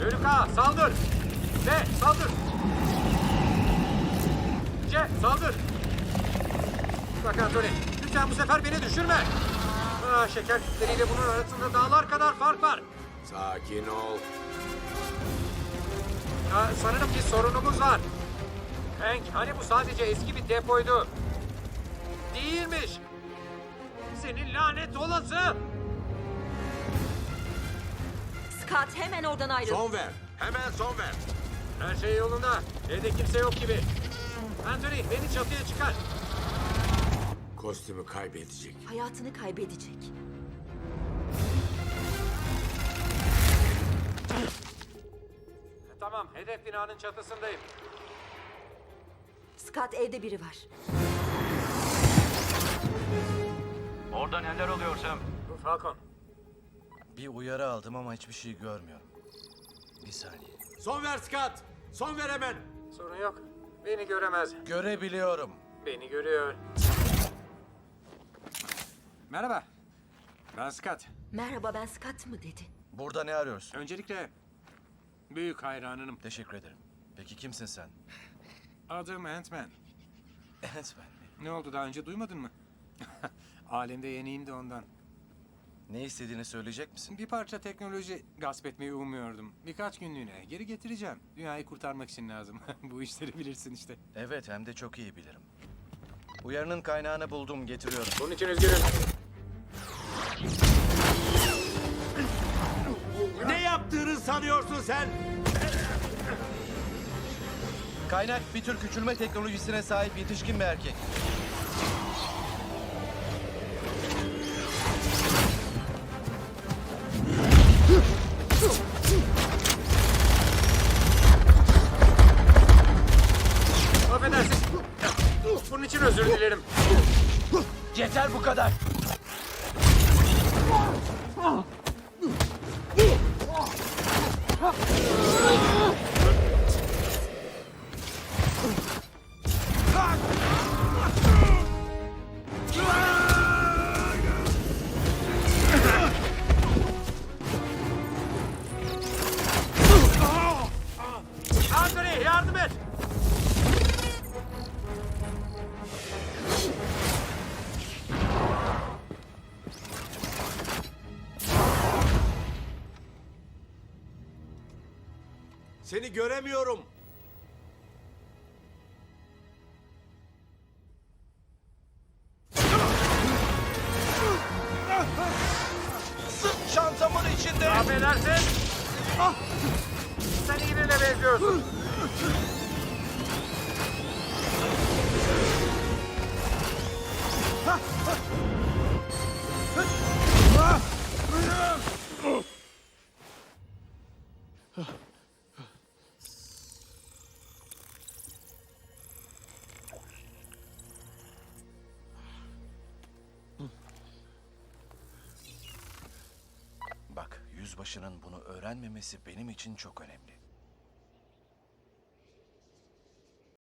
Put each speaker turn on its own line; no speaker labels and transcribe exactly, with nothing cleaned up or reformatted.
Bölük A saldır. B saldır. C saldır. Bak Anthony, lütfen bu sefer beni düşürme. Ah, şeker kütleriyle bunun arasında dağlar kadar fark var.
Sakin ol.
Ah, sanırım bir sorunumuz var. Hank, hani bu sadece eski bir depoydu. Değilmiş. Senin lanet olası.
Scott hemen oradan ayrıl.
Son ver. Hemen son ver.
Her şey yolunda. Evde kimse yok gibi. Anthony, beni çatıya çıkar.
Kostümü kaybedecek.
Hayatını kaybedecek.
Tamam, hedef binanın çatısındayım.
Scott, evde biri var.
Orada neler oluyor Sam?
Bu Falcon.
Bir uyarı aldım ama hiçbir şey görmüyorum. Bir saniye.
Son ver Scott. Son ver hemen.
Sorun yok. Beni göremez.
Görebiliyorum.
Beni görüyor. Merhaba. Ben Scott.
Merhaba, ben Scott mı dedi?
Burada ne arıyorsun?
Öncelikle büyük hayranınım.
Teşekkür ederim. Peki kimsin sen?
Adım Ant-Man.
Ant-Man mi?
Ne oldu, daha önce duymadın mı? Alemde yeniyim de ondan.
Ne istediğini söyleyecek misin?
Bir parça teknoloji gasp etmeyi umuyordum. Birkaç günlüğüne geri getireceğim. Dünyayı kurtarmak için lazım. Bu işleri bilirsin işte.
Evet, hem de çok iyi bilirim. Uyarının kaynağını buldum, getiriyorum.
Bunun için üzgünüm.
Ne yaptığını sanıyorsun sen?
Kaynak bir tür küçülme teknolojisine sahip yetişkin bir erkek.
Affedersin. Bunun için özür dilerim.
Yeter bu kadar.
Anthony, yardım et.
Seni göremiyorum.
Sırt çantamın içinde.
Affedersin. Ah! Sen iyi birine benziyorsun.
Bak, yüzbaşının bunu öğrenmemesi benim için çok önemli.